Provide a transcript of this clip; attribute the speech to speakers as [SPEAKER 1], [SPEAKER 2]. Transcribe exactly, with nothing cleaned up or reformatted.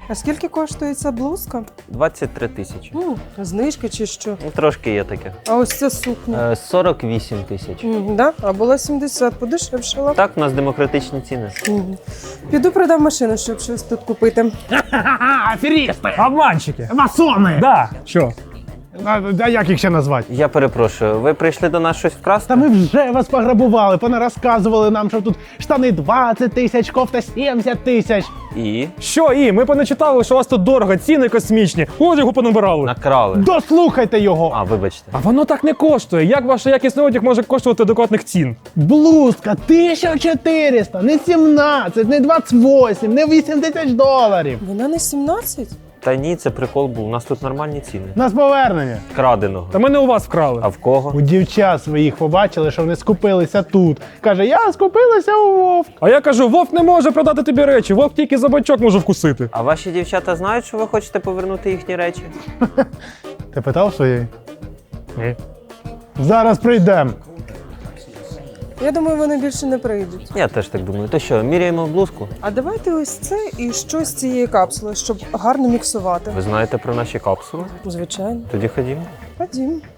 [SPEAKER 1] А скільки коштує ця блузка?
[SPEAKER 2] двадцять три тисячі.
[SPEAKER 1] М, знижки чи що?
[SPEAKER 2] Ну, трошки є таке.
[SPEAKER 1] А ось ця сукня.
[SPEAKER 2] Е, сорок вісім тисяч.
[SPEAKER 1] М, да? А була сімдесят, подешевшала.
[SPEAKER 2] Так, у нас демократичні ціни.
[SPEAKER 1] М. Піду продам машину, щоб щось тут купити.
[SPEAKER 3] Ха-ха, аферісти!
[SPEAKER 4] Обманщики.
[SPEAKER 3] Масони!
[SPEAKER 4] Да. Що?
[SPEAKER 3] А, а як їх ще назвати?
[SPEAKER 2] Я перепрошую, ви прийшли до нас щось вкрасти?
[SPEAKER 3] Та ми вже вас пограбували, понарозказували нам, що тут штани двадцять тисяч, кофта сімдесят тисяч.
[SPEAKER 2] І
[SPEAKER 4] Що і? Ми поначитали, що у вас тут дорого, ціни космічні. Одягу понабирали.
[SPEAKER 2] накрали.
[SPEAKER 3] Дослухайте його!
[SPEAKER 2] А, вибачте.
[SPEAKER 4] А воно так не коштує. Як ваш якісний одяг може коштувати адекватних цін?
[SPEAKER 3] Блузка тисяча чотириста, не сімнадцять, не двадцять вісім, не вісім тисяч доларів.
[SPEAKER 1] Вона не сімнадцять?
[SPEAKER 2] Та ні, це прикол був. У нас тут нормальні ціни.
[SPEAKER 3] Нас повернення.
[SPEAKER 2] Краденого.
[SPEAKER 4] Та ми не у вас вкрали.
[SPEAKER 2] А в кого?
[SPEAKER 3] У дівчат своїх побачили, що вони скупилися тут. Каже, я скупилася у Вовк.
[SPEAKER 4] А я кажу, Вовк не може продати тобі речі, Вовк тільки за бачок може вкусити.
[SPEAKER 2] А ваші дівчата знають, що ви хочете повернути їхні речі?
[SPEAKER 3] Ти питав своєї?
[SPEAKER 4] Ні.
[SPEAKER 3] Зараз прийдемо.
[SPEAKER 1] Я думаю, вони більше не прийдуть.
[SPEAKER 2] Я теж так думаю. То що, міряємо блузку?
[SPEAKER 1] А давайте ось це і щось з цієї капсули, щоб гарно міксувати.
[SPEAKER 2] Ви знаєте про наші капсули?
[SPEAKER 1] Звичайно.
[SPEAKER 2] Тоді ходімо.
[SPEAKER 1] Ходім.